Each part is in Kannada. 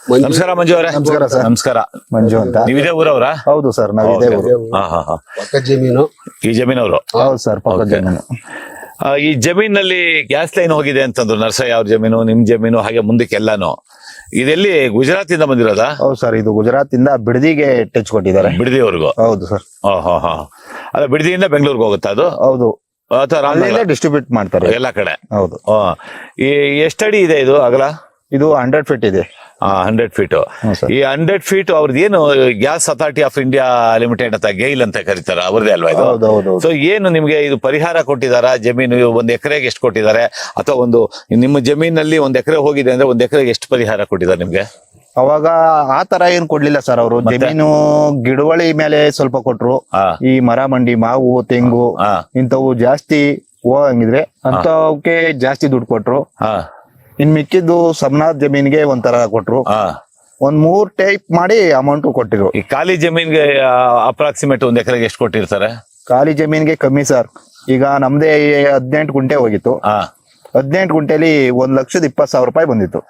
ನಮಸ್ಕಾರ ಮಂಜು ಅವರೇ. ನಮಸ್ಕಾರ ಸರ್. ನಮಸ್ಕಾರ. ಮಂಜು ಅಂತ. ನೀವಿದೇ ಊರವ್ರ? ಹೌದು ಸರ್, ನಾವು ಇದೇ ಊರು. ಪಕ್ಕ ಜಮೀನು. ಈ ಜಮೀನವರು? ಹೌದು ಸರ್, ಪಕ್ಕದ ಜಮೀನು. ಈ ಜಮೀನಲ್ಲಿ ಗ್ಯಾಸ್ ಲೈನ್ ಹೋಗಿದೆ ಅಂತಂದ್ರು. ನರ್ಸಯ್ಯ ಅವ್ರ ಜಮೀನು, ನಿಮ್ ಜಮೀನು, ಹಾಗೆ ಮುಂದಕ್ಕೆ ಎಲ್ಲಾನು. ಇದೆಲ್ಲಿ ಗುಜರಾತ್ ಇಂದ ಬಂದಿರೋದಾ? ಹೌದು ಸರ್, ಇದು ಗುಜರಾತ್ ಇಂದ ಬಿಡದಿಗೆ ಟಚ್ ಕೊಟ್ಟಿದ್ದಾರೆ. ಬಿಡದಿವರೆಗೂ? ಹೌದು ಸರ್. ಅದ ಬಿಡದಿಯಿಂದ ಬೆಂಗಳೂರಿಗೆ ಹೋಗುತ್ತಾ ಅದು? ಹೌದು, ಅಥವಾ ಡಿಸ್ಟ್ರಿಬ್ಯೂಟ್ ಮಾಡ್ತಾರೆ ಎಲ್ಲಾ ಕಡೆ? ಹೌದು. ಎಷ್ಟಡಿ ಇದೆ ಇದು ಅಗಲ? ಇದು 100 ಫೀಟ್ ಇದೆ. 100 ಫೀಟ್. ಈ 100 ಫೀಟ್ ಅವ್ರದ್ದು ಏನು Gas Authority of India Limited ಅಂತ, ಗೈಲ್ ಅಂತ ಕರೀತಾರ, ಅವ್ರದೇ ಅಲ್ವಾ ಇದು? ಹೌದು. ಸೊ ಏನು ನಿಮ್ಗೆ ಇದು ಪರಿಹಾರ ಕೊಟ್ಟಿದಾರ? ಜಮೀನು ಒಂದ್ ಎಕರೆಗೆ ಎಷ್ಟು ಕೊಟ್ಟಿದ್ದಾರೆ? ಅಥವಾ ಒಂದು ನಿಮ್ಮ ಜಮೀನಲ್ಲಿ 1 ಎಕರೆ ಹೋಗಿದೆ ಅಂದ್ರೆ 1 ಎಕರೆಗೆ ಎಷ್ಟು ಪರಿಹಾರ ಕೊಟ್ಟಿದ್ದಾರೆ ನಿಮ್ಗೆ? ಅವಾಗ ಆ ತರ ಏನ್ ಕೊಡ್ಲಿಲ್ಲ ಸರ್ ಅವರು. ಜಮೀನು ಗಿಡವಳಿ ಮೇಲೆ ಸ್ವಲ್ಪ ಕೊಟ್ರು. ಈ ಮರ ಮಂಡಿ, ಮಾವು, ತೆಂಗು ಇಂಥವು ಜಾಸ್ತಿ ಹೋಗಂಗಿದ್ರೆ ಅಂತವಕ್ಕೆ ಜಾಸ್ತಿ ದುಡ್ಡು ಕೊಟ್ರು. ಇನ್ ಮಿಕ್ಕಿದ್ದು ಸಮನಾಥ್ ಜಮೀನ್ಗೆ ಒಂಥರ ಕೊಟ್ರು. ಒಂದ್ 3 ಟೈಪ್ ಮಾಡಿ ಅಮೌಂಟ್ ಕೊಟ್ಟಿರು. ಈ ಖಾಲಿ ಜಮೀನ್ಗೆ ಅಪ್ರಾಕ್ಸಿಮೇಟ್ 1 ಎಕರೆಗೆ ಎಷ್ಟು ಕೊಟ್ಟಿರ್ತಾರೆ? ಖಾಲಿ ಜಮೀನ್ಗೆ ಕಮ್ಮಿ ಸರ್. ಈಗ ನಮ್ದೇ 18 ಗುಂಟೆ ಹೋಗಿತ್ತು. 18 ಗುಂಟೆಲಿ 1,20,000 ರೂಪಾಯಿ ಬಂದಿತ್ತು.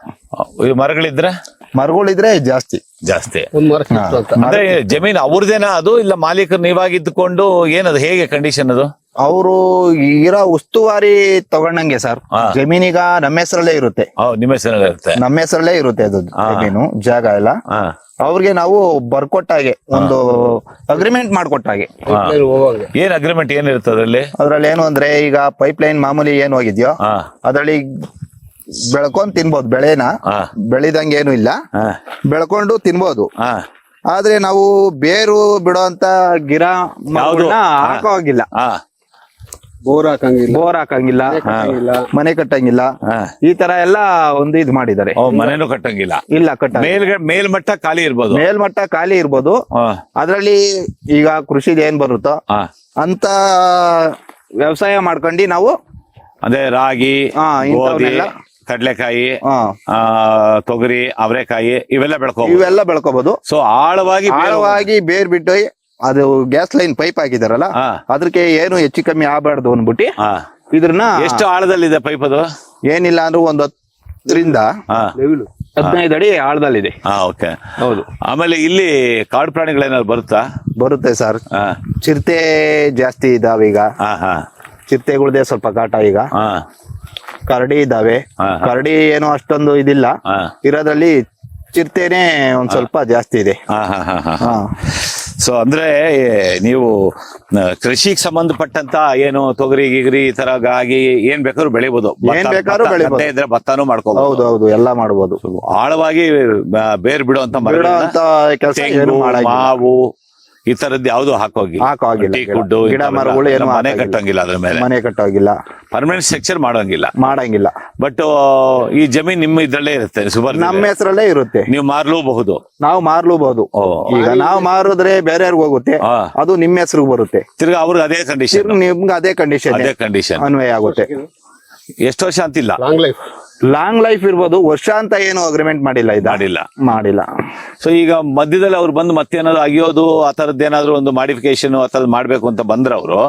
ಮರಗಳಿದ್ರೆ ಜಾಸ್ತಿ. ಅಂದ್ರೆ ಜಮೀನ್ ಅವ್ರದೇನಾ ಅದು, ಇಲ್ಲ ಮಾಲೀಕರು ನೀವಾಗಿದ್ದುಕೊಂಡು ಏನದು, ಹೇಗೆ ಕಂಡೀಷನ್ ಅದು? ಅವರು ಇರೋ ಉಸ್ತುವಾರಿ ತಗೊಂಡಂಗೆ ಸರ್. ಜಮೀನೀಗ ನಮ್ಮ ಹೆಸರಲ್ಲೇ ಇರುತ್ತೆ. ನಿಮ್ಮ ಹೆಸರಲ್ಲೇ ಇರುತ್ತೆ? ನಮ್ಮ ಹೆಸರಲ್ಲೇ ಇರುತ್ತೆ ಅದು ಜಮೀನು, ಜಾಗ ಎಲ್ಲ. ಅವ್ರಿಗೆ ನಾವು ಬರ್ಕೊಟ್ಟಾಗೆ, ಒಂದು ಅಗ್ರಿಮೆಂಟ್ ಮಾಡ್ಕೊಟ್ಟಾಗೆ. ಏನ್ ಅಗ್ರಿಮೆಂಟ್ ಏನಿರುತ್ತೆ ಅದ್ರಲ್ಲಿ ಏನು ಅಂದ್ರೆ, ಈಗ ಪೈಪ್ ಲೈನ್ ಮಾಮೂಲಿ ಏನ್ ಹೋಗಿದ್ಯೋ ಅದ್ರಲ್ಲಿ ಬೆಳ್ಕೊಂಡ್ ತಿನ್ಬೋದು. ಬೆಳೆನ ಬೆಳಿದಂಗೆ ಏನು ಇಲ್ಲ, ಬೆಳ್ಕೊಂಡು ತಿನ್ಬೋದು. ಆದ್ರೆ ನಾವು ಬೇರು ಬಿಡೋ ಅಂತ ಗಿಡ ಹಾಕೋ ಹಾಗಿಲ್ಲ. ಬೋರ್ ಹಾಕಂಗಿಲ್ಲ, ಮನೆ ಕಟ್ಟಂಗಿಲ್ಲ. ಈ ತರ ಎಲ್ಲ ಒಂದು ಇದು ಮಾಡಿದ್ದಾರೆ. ಮನೆನೂ ಕಟ್ಟಂಗಿಲ್ಲ? ಇಲ್ಲ, ಮೇಲ್ಮಟ್ಟ ಖಾಲಿ ಇರ್ಬೋದು. ಮೇಲ್ಮಟ್ಟ ಖಾಲಿ ಇರ್ಬೋದು. ಅದ್ರಲ್ಲಿ ಈಗ ಕೃಷಿದ ಏನ್ ಬರುತ್ತೋ ಅಂತ ವ್ಯವಸಾಯ ಮಾಡ್ಕೊಂಡು ನಾವು ಅದೇ ರಾಗಿ, ಗೋಧಿ, ಕಡ್ಲೆಕಾಯಿ, ತೊಗರಿ, ಅವರೆಕಾಯಿ ಇವೆಲ್ಲ ಬೆಳ್ಕೋಬಹುದು. ಸೊ ಆಳವಾಗಿ ಬೇರ್ ಬಿಟ್ಟು ಅದು ಗ್ಯಾಸ್ ಲೈನ್ ಪೈಪ್ ಹಾಕಿದಾರಲ್ಲ, ಅದಕ್ಕೆ ಏನು ಹೆಚ್ಚು ಕಮ್ಮಿ ಆಗ್ಬಾರ್ದು ಅಂದ್ಬಿಟ್ಟು ಇದ್ರನ್ನ. ಎಷ್ಟು ಆಳದಲ್ಲಿದೆ ಪೈಪ್ ಅದು? ಏನಿಲ್ಲ ಅಂದ್ರೆ 10 ರಿಂದ 15 ಅಡಿ ಆಳದಲ್ಲಿದೆ. ಹೌದು. ಆಮೇಲೆ ಇಲ್ಲಿ ಕಾಡು ಪ್ರಾಣಿಗಳೇನಾದ್ರು ಬರುತ್ತೆ ಸರ್. ಚಿರತೆ ಜಾಸ್ತಿ ಇದಾವೆ ಈಗ. ಚಿರತೆಗಳದೇ ಸ್ವಲ್ಪ ಕಾಟ ಈಗ. ಕರಡಿ ಇದಾವೆ. ಕರಡಿ ಏನು ಅಷ್ಟೊಂದು ಇದಿಲ್ಲ, ಇರೋದ್ರಲ್ಲಿ ಚಿರತೆನೆ ಒಂದ್ ಸ್ವಲ್ಪ ಜಾಸ್ತಿ ಇದೆ. ಸೊ ಅಂದ್ರೆ ನೀವು ಕೃಷಿಗೆ ಸಂಬಂಧಪಟ್ಟಂತ ಏನು ತೊಗರಿ ಗಿಗರಿ ಈ ತರ ಗಾಗಿ ಏನ್ ಬೇಕಾದ್ರೂ ಬೆಳಿಬಹುದು. ಇದ್ರೆ ಭತ್ತಾನು ಮಾಡ್ಕೋಬಹುದು. ಹೌದು, ಎಲ್ಲ ಮಾಡಬಹುದು. ಆಳವಾಗಿ ಬೇರ್ ಬಿಡುವಂತ ಮಾವು ಈ ತರದ್ದು ಯಾವ್ದು ಹಾಕೋಗಿಲ್ಲ. ಗಿಡ ಮರಗಳು ಏನು ಮನೆ ಕಟ್ಟಂಗಿಲ್ಲ, ಅದ್ರ ಮೇಲೆ ಮನೆ ಕಟ್ಟೋಗಿಲ್ಲ, ಪರ್ಮನೆಂಟ್ ಸ್ಟ್ರಕ್ಚರ್ ಮಾಡಂಗಿಲ್ಲ. ಬಟ್ ಈ ಜಮೀನ್ ನಿಮ್ಮ ಇದ್ರಲ್ಲೇ ಇರುತ್ತೆ, ನಮ್ಮ ಹೆಸರಲ್ಲೇ ಇರುತ್ತೆ. ನೀವು ಮಾರ್ಲೂಬಹುದು. ನಾವು ಮಾರ್ಲೂಬಹುದು. ಈಗ ನಾವು ಮಾರಿದ್ರೆ ಬೇರೆಯವ್ರಿಗೆ ಹೋಗುತ್ತೆ, ಅದು ನಿಮ್ಮ ಹೆಸರಿಗೆ ಬರುತ್ತೆ. ತಿರ್ಗಾ ಅವ್ರಿಗೆ ಅದೇ ಕಂಡೀಷನ್, ನಿಮ್ಗೆ ಅದೇ ಕಂಡೀಷನ್ ಅನ್ವಯ ಆಗುತ್ತೆ. ಎಷ್ಟು ವರ್ಷ ಅಂತಿಲ್ಲ, ಲಾಂಗ್ ಲೈಫ್ ಇರ್ಬೋದು. ವರ್ಷ ಅಂತ ಏನು ಅಗ್ರಿಮೆಂಟ್ ಮಾಡಿಲ್ಲ. ಸೊ ಈಗ ಮಧ್ಯದಲ್ಲಿ ಅವ್ರು ಬಂದು ಮತ್ತೇನಾದ್ರು ಅಗಿಯೋದು ಆ ತರದ್ದು ಏನಾದ್ರು ಒಂದು ಮಾಡಿಫಿಕೇಶನ್ ಆ ತರದ್ ಮಾಡ್ಬೇಕು ಅಂತ ಬಂದ್ರ ಅವರು,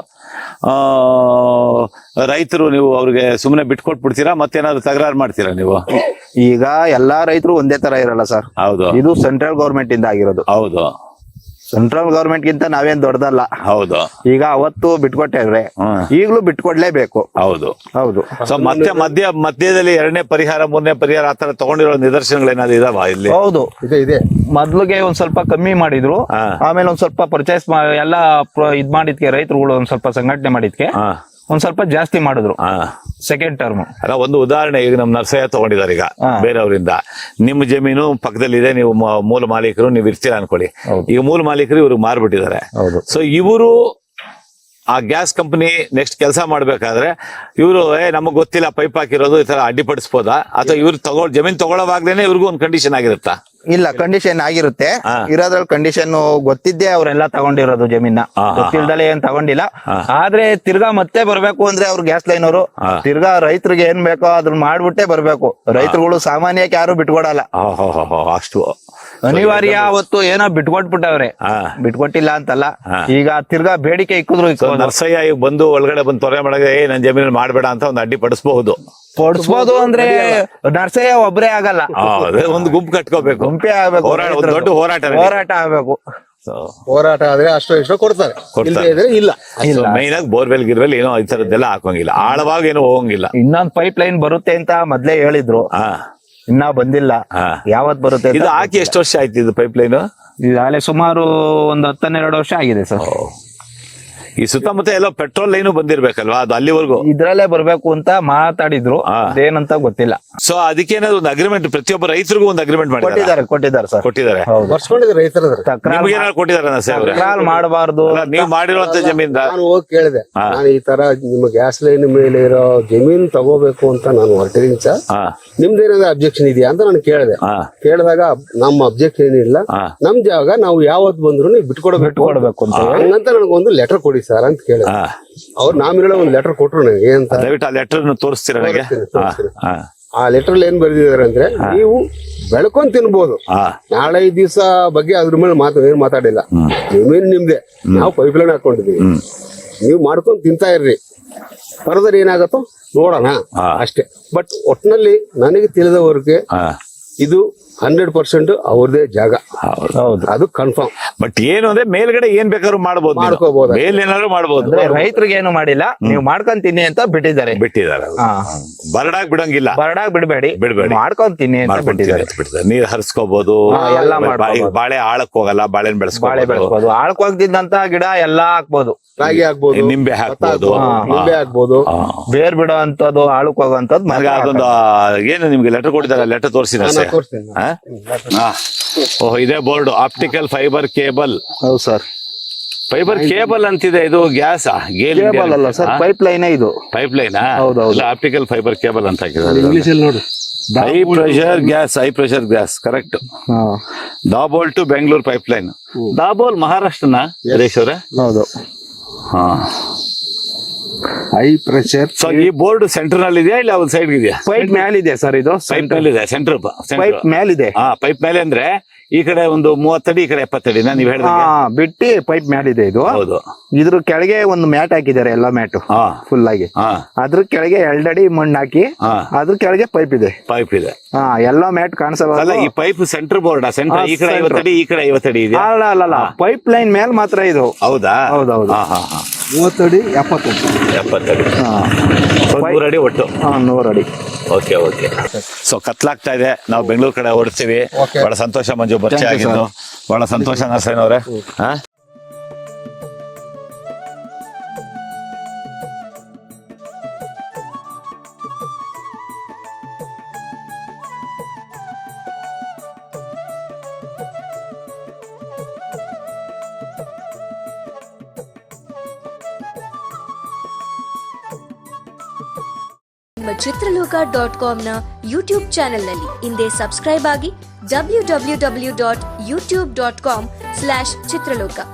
ರೈತರು ನೀವು ಅವ್ರಿಗೆ ಸುಮ್ಮನೆ ಬಿಟ್ಕೊಟ್ಬಿಡ್ತೀರಾ? ಮತ್ತೇನಾದ್ರು ತಕರಾರು ಮಾಡ್ತೀರಾ ನೀವು? ಈಗ ಎಲ್ಲಾ ರೈತರು ಒಂದೇ ತರ ಇರಲ್ಲ ಸರ್. ಹೌದು. ಇದು ಸೆಂಟ್ರಲ್ ಗವರ್ಮೆಂಟ್ ಇಂದ ಆಗಿರೋದು. ಹೌದು. ಸೆಂಟ್ರಲ್ ಗವರ್ಮೆಂಟ್ ಗಿಂತ ನಾವೇನ್ ದೊಡ್ಡದಲ್ಲ. ಹೌದು. ಈಗ ಅವತ್ತು ಬಿಟ್ಕೊಟ್ಟಿದ್ರೆ ಈಗಲೂ ಬಿಟ್ಕೊಡ್ಲೇಬೇಕು. ಹೌದು. ಸೊ ಮಧ್ಯದಲ್ಲಿ 2ನೇ ಪರಿಹಾರ 3ನೇ ಪರಿಹಾರ ಆತರ ತಗೊಂಡಿರೋ ನಿದರ್ಶನಗಳೇನಾದ್ರು ಇದಾವ ಇಲ್ಲಿ? ಹೌದು, ಇದೆ. ಮೊದ್ಲಿಗೆ ಒಂದ್ ಸ್ವಲ್ಪ ಕಮ್ಮಿ ಮಾಡಿದ್ರು, ಆಮೇಲೆ ಒಂದ್ ಸ್ವಲ್ಪ ಪರ್ಚೇಸ್ ಎಲ್ಲ ಇದ್ ಮಾಡಿದ್ಕೆ, ರೈತರುಗಳು ಒಂದ್ ಸ್ವಲ್ಪ ಸಂಘಟನೆ ಮಾಡಿದ್ಕೆ ಒಂದ್ ಸ್ವಲ್ಪ ಜಾಸ್ತಿ ಮಾಡಿದ್ರು ಸೆಕೆಂಡ್ ಟರ್ಮ್. ಅಲ್ಲ, ಒಂದು ಉದಾಹರಣೆ, ಈಗ ನಮ್ ನರ್ಸಯ್ಯ ತಗೊಂಡಿದ್ದಾರೆ ಈಗ ಬೇರೆಯವರಿಂದ. ನಿಮ್ಮ ಜಮೀನು ಪಕ್ಕದಲ್ಲಿದೆ, ನೀವು ಮೂಲ ಮಾಲೀಕರು, ನೀವು ಇರ್ತೀರಾ ಅನ್ಕೊಳ್ಳಿ. ಈಗ ಮೂಲ ಮಾಲೀಕರು ಇವ್ರಿಗೆ ಮಾರ್ಬಿಟ್ಟಿದ್ದಾರೆ. ಸೊ ಇವರು ಆ ಗ್ಯಾಸ್ ಕಂಪನಿ ನೆಕ್ಸ್ಟ್ ಕೆಲಸ ಮಾಡ್ಬೇಕಾದ್ರೆ ಇವರು ನಮಗ್ ಗೊತ್ತಿಲ್ಲ ಪೈಪ್ ಹಾಕಿರೋದು ಈ ತರ ಅಡ್ಡಿಪಡಿಸಬಹುದಾ? ಅಥವಾ ಇವ್ರು ಜಮೀನ್ ತಗೊಳ್ಳೋವಾಗ್ಲೇನೆ ಇವ್ರಿಗೂ ಒಂದು ಕಂಡೀಷನ್ ಆಗಿರುತ್ತಾ? ಇಲ್ಲ, ಕಂಡೀಷನ್ ಆಗಿರುತ್ತೆ. ಇರೋದ್ರಲ್ಲಿ ಕಂಡೀಷನ್ ಗೊತ್ತಿದ್ದೆ ಅವರೆಲ್ಲ ತಗೊಂಡಿರೋದು ಜಮೀನ, ಗೊತ್ತಿಲ್ದಲೆ ಏನ್ ತಗೊಂಡಿಲ್ಲ. ಆದ್ರೆ ತಿರ್ಗಾ ಮತ್ತೆ ಬರ್ಬೇಕು ಅಂದ್ರೆ ಅವ್ರು ಗ್ಯಾಸ್ ಲೈನ್ ಅವರು ತಿರ್ಗಾ ರೈತರಿಗೆ ಏನ್ ಬೇಕೋ ಅದನ್ನ ಮಾಡ್ಬಿಟ್ಟೆ ಬರ್ಬೇಕು. ರೈತರುಗಳು ಸಾಮಾನ್ಯಕ್ಕೆ ಯಾರು ಬಿಟ್ಕೊಡಲ್ಲ. ಅಷ್ಟು ಅನಿವಾರ್ಯ ಅವತ್ತು ಏನೋ ಬಿಟ್ಕೊಟ್ಬಿಟ್ಟವ್ರೆ, ಹಾ. ಬಿಟ್ಕೊಟ್ಟಿಲ್ಲ ಅಂತಲ್ಲ, ಈಗ ತಿರ್ಗಾ ಬೇಡಿಕೆ ಇಕ್ಕಿದ್ರು ನರ್ಸಯ್ಯ ಈಗ ಬಂದು ಒಳಗಡೆ ಬಂದು ತೊರೆ ಮಾಡಗೆ ನನ್ ಜಮೀನಲ್ಲಿ ಮಾಡ್ಬೇಡ ಅಂತ ಒಂದು ಅಡ್ಡಿ ಪಡಿಸಬಹುದು. ಕೊಡ್ಸ್ಬೋದು ಅಂದ್ರೆ ನರ್ಸಯ್ಯ ಒಬ್ರೇ ಆಗಲ್ಲ, ಒಂದು ಗುಂಪು ಕಟ್ಕೋಬೇಕು, ಗುಂಪೇ ಆಗ್ಬೇಕು, ಒಂದು ದೊಡ್ಡ ಹೋರಾಟ ಆಗ್ಬೇಕು. ಹೋರಾಟ ಆದ್ರೆ ಅಷ್ಟೋ ಇಷ್ಟೋ ಕೊಡ್ತಾರೆ, ಇಲ್ಲ. ಮೈನ್ ಆಗಿ ಬೋರ್ವೆಲ್ ಗಿರ್ವೆಲ್ ಏನೋ ಈ ತರದ್ದೆಲ್ಲ ಹಾಕೋಂಗಿಲ್ಲ, ಆಳವಾಗಿ ಏನೋ ಹೋಗಂಗಿಲ್ಲ. ಇನ್ನೊಂದ್ ಪೈಪ್ ಲೈನ್ ಬರುತ್ತೆ ಅಂತ ಮೊದ್ಲೇ ಹೇಳಿದ್ರು, ಇನ್ನ ಬಂದಿಲ್ಲ. ಯಾವತ್ ಬರುತ್ತೆ ಇದು ಹಾಕಿ ಎಷ್ಟು ವರ್ಷ ಆಯ್ತು ಇದು ಪೈಪ್ ಲೈನ್? ಈಗಾಗಲೇ ಸುಮಾರು ಒಂದು 10-12 ವರ್ಷ ಆಗಿದೆ ಸರ್. ಈ ಸುತ್ತಮುತ್ತ ಎಲ್ಲೋ ಪೆಟ್ರೋಲ್ ಲೈನು ಬಂದಿರ್ಬೇಕಲ್ವಾ, ಅದು ಅಲ್ಲಿವರೆಗೂ ಇದ್ರಲ್ಲೇ ಬರ್ಬೇಕು ಅಂತ ಮಾತಾಡಿದ್ರು, ಅದೇನಂತ ಗೊತ್ತಿಲ್ಲ. ಸೊ ಅದಕ್ಕೇನಾದ್ರು ಒಂದು ಅಗ್ರಿಮೆಂಟ್, ಪ್ರತಿಯೊಬ್ಬ ರೈತರಿಗೂ ಒಂದು ಅಗ್ರಿಮೆಂಟ್ ಕೊಟ್ಟಿದ್ದಾರೆ ಸರ್, ಕೊಟ್ಟಿದ್ದಾರೆ. ಬರ್ಸ್ಕೊಂಡಿದ್ದಾರೆ ರೈತರ ನಿಮ್ಗೇನಾದ್ರು ಕೊಟ್ಟಿದ್ದಾರೆ? ಮಾಡಬಾರ್ದು, ನೀವು ಮಾಡಿರುವಂತ ಜಮೀನ್ ನಾನು ಹೋಗಿ ಕೇಳಿದೆ, ನಾನು ಈ ತರ ನಿಮ್ಮ ಗ್ಯಾಸ್ ಲೈನ್ ಮೇಲೆ ಇರೋ ಜಮೀನ್ ತಗೋಬೇಕು ಅಂತ ನಾನು ಹೊರಟಿದ್ದೀನಿ ಸರ್, ನಿಮ್ದೇನಾದ್ರು ಅಬ್ಜೆಕ್ಷನ್ ಇದೆಯಾ ಅಂತ ನಾನು ಕೇಳಿದಾಗ ನಮ್ಮ ಅಬ್ಜೆಕ್ಷನ್ ಏನಿಲ್ಲ, ನಮ್ ಜಾಗ ನಾವು ಯಾವತ್ ಬಂದ್ರು ನೀವು ಬಿಟ್ಕೊಡ್ಬೇಕು ಅಂತ ಹಂಗಂತ ನನಗೊಂದು ಲೆಟರ್ ಕೊಡಿ ಸರ್ ಅಂತ ಕೇಳಿದೆ. ಅವ್ರು ನಾಮಿರಲ್ಲ ಒಂದು ಲೆಟರ್ ಕೊಟ್ರು ನನಗೆ. ಏನಂತ ದಯವಿಟ್ಟು ಆ ಲೆಟರ್ ತೋರಿಸ್ತೀರ ನನಗೆ? ಆ ಲೆಟರ್ ಏನ್ ಬರ್ದಿದ್ದಾರೆ ಅಂದ್ರೆ, ನೀವು ಬೆಳ್ಕೊಂಡ್ ತಿನ್ಬೋದು, ನಾಳೆ ಈ ದಿವಸ ಬಗ್ಗೆ ಅದ್ರ ಮೇಲೆ ಏನ್ ಮಾತಾಡಿಲ್ಲ, ಜಮೀನ್ ನಿಮ್ದೆ, ನಾವು ಪೈಪ್ ಲೈನ್ ಹಾಕೊಂಡಿದೀವಿ, ನೀವು ಮಾಡ್ಕೊಂಡ್ ತಿಂತಾ ಇರ್ರಿ, ಫರ್ದರ್ ಏನಾಗತ್ತೋ ನೋಡೋಣ ಅಷ್ಟೇ. ಬಟ್ ಒಟ್ನಲ್ಲಿ ನನಗೆ ತಿಳಿದವರೆಗೆ ಇದು 100% ಅವ್ರದೇ ಜಾಗ, ಅದು ಕನ್ಫರ್ಮ್. ಬಟ್ ಏನು ಅಂದ್ರೆ ಮೇಲ್ಗಡೆ ಏನ್ ಬೇಕಾದ್ರೂ ಮಾಡ್ಕೋಬಹುದು, ಮೇಲೇನಾದ್ರು ಮಾಡ್ಬೋದು. ರೈತರಿಗೆ ಏನು ಮಾಡಿಲ್ಲ, ನೀವು ಮಾಡ್ಕೊಂತೀನಿ ಅಂತ ಬಿಟ್ಟಿದ್ದಾರೆ. ಬರಡಾಗ್ ಬಿಡಂಗಿಲ್ಲ, ಬರಡಾಗ್ ಬಿಡಬೇಡಿ, ಮಾಡ್ಕೊಂತೀನಿ ಅಂತ ಬಿಟ್ಟಿದ್ದಾರೆ. ನೀರ್ ಹರಿಸ್ಕೋಬಹುದು, ಎಲ್ಲ ಬಾಳೆ ಆಳಕ್ ಹೋಗಲ್ಲ, ಬಾಳೆನ್ ಬೆಳೆಸ್ಬೋದು, ಆಳಕ್ ಹೋಗ್ತಿದ್ದಂತ ಗಿಡ ಎಲ್ಲಾ ಹಾಕ್ಬೋದು, ರಾಗಿ ಹಾಕ್ಬೋದು, ನಿಂಬೆ ಹಾಕ್ಬೋದು, ಬೇರ್ ಬಿಡೋ ಅಂತದ್ದು, ಆಳಕ್ ಹೋಗುವಂತದ್ದು. ಅದೊಂದು ಏನು ನಿಮ್ಗೆ ಲೆಟರ್ ಕೊಟ್ಟಿದ್ದಾರೆ, ಲೆಟರ್ ತೋರಿಸಿದ ಇದೇ ಬೋರ್ಡ್, ಆಪ್ಟಿಕಲ್ ಫೈಬರ್ ಕೇಬಲ್. ಹೌದು ಸರ್, ಫೈಬರ್ ಕೇಬಲ್ ಅಂತಿದೆ. ಇದು ಗ್ಯಾಸ್ ಕೇಬಲ್ ಅಲ್ಲ ಸರ್, ಪೈಪ್ ಲೈನ್. ಇದು ಪೈಪ್ ಲೈನ್, ಹೌದೌದು, ಆಪ್ಟಿಕಲ್ ಫೈಬರ್ ಕೇಬಲ್ ಅಂತ ಹಾಕಿದ್ದಾರೆ. ಇಂಗ್ಲಿಷ್ ಅಲ್ಲಿ ನೋಡು, high pressure gas correct. Dabhol to Bengaluru pipeline. Dabhol ಮಹಾರಾಷ್ಟ್ರನ ಹರೀಶ್ ಅವರೇ? ಹೌದು. High pressure. ಸೊ ಈ ಬೋರ್ಡ್ ಸೆಂಟರ್ ನಲ್ಲಿ ಇದೆಯಾ ಇಲ್ಲ ಒಂದು ಸೈಡ್ ಇದೆಯಾ? ಪೈಪ್ ಮೇಲಿದೆ ಸರ್, ಇದು ಪೈಪ್ ಮೇಲೆ ಇದೆ, ಸೆಂಟರ್ ಪೈಪ್ ಮೇಲಿದೆ. ಪೈಪ್ ಮೇಲೆ ಅಂದ್ರೆ ಈ ಕಡೆ ಒಂದು 30 ಅಡಿ, ಈ ಕಡೆ 70 ಅಡಿ ನೀವು ಹೇಳಿದ ಬಿಟ್ಟಿ ಪೈಪ್ ಮೇಲಿದೆ ಇದು. ಹೌದು. ಇದ್ರ ಕೆಳಗೆ ಒಂದು ಮ್ಯಾಟ್ ಹಾಕಿದ್ದಾರೆ, ಎಲ್ಲ ಮ್ಯಾಟ್ ಫುಲ್ ಆಗಿ. ಅದ್ರ ಕೆಳಗೆ 2 ಅಡಿ ಮಣ್ಣು ಹಾಕಿ, ಅದ್ರ ಕೆಳಗೆ ಪೈಪ್ ಇದೆ. ಎಲ್ಲ ಮ್ಯಾಟ್ ಕಾಣಿಸಲ್ಲ. ಈ ಪೈಪ್ ಸೆಂಟರ್ ಬೋರ್ಡ್, ಸೆಂಟರ್ ಈ ಕಡೆ 50 ಅಡಿ, ಈ ಕಡೆ 50 ಅಡಿ ಇದೆ. ಅಲ್ಲ, ಪೈಪ್ ಲೈನ್ ಮೇಲೆ ಮಾತ್ರ ಇದು. ಹೌದಾ? ಹೌದೌದು. 30 ಅಡಿ 70 ಅಡಿ, 100 ಅಡಿ ಒಟ್ಟು. 100 ಅಡಿ. ಓಕೆ. ಸೊ ಕತ್ಲಾಗ್ತಾ ಇದೆ, ನಾವು ಬೆಂಗಳೂರು ಕಡೆ ಹೊರಡ್ತೀವಿ. ಬಹಳ ಸಂತೋಷ ಮಂಜು, ಪರಿಚಯ ಆಗಿದ್ದು ಬಹಳ ಸಂತೋಷ ನರಸಯ್ಯನವ್ರೆ. ನಿಮ್ಮ ಚಿತ್ರಲೋಕ.com ಯೂಟ್ಯೂಬ್ ಚಾನೆಲ್ನಲ್ಲಿ ಹಿಂದೆ ಸಬ್ಸ್ಕ್ರೈಬ್ ಆಗಿ www.youtube.com/ಚಿತ್ರಲೋಕ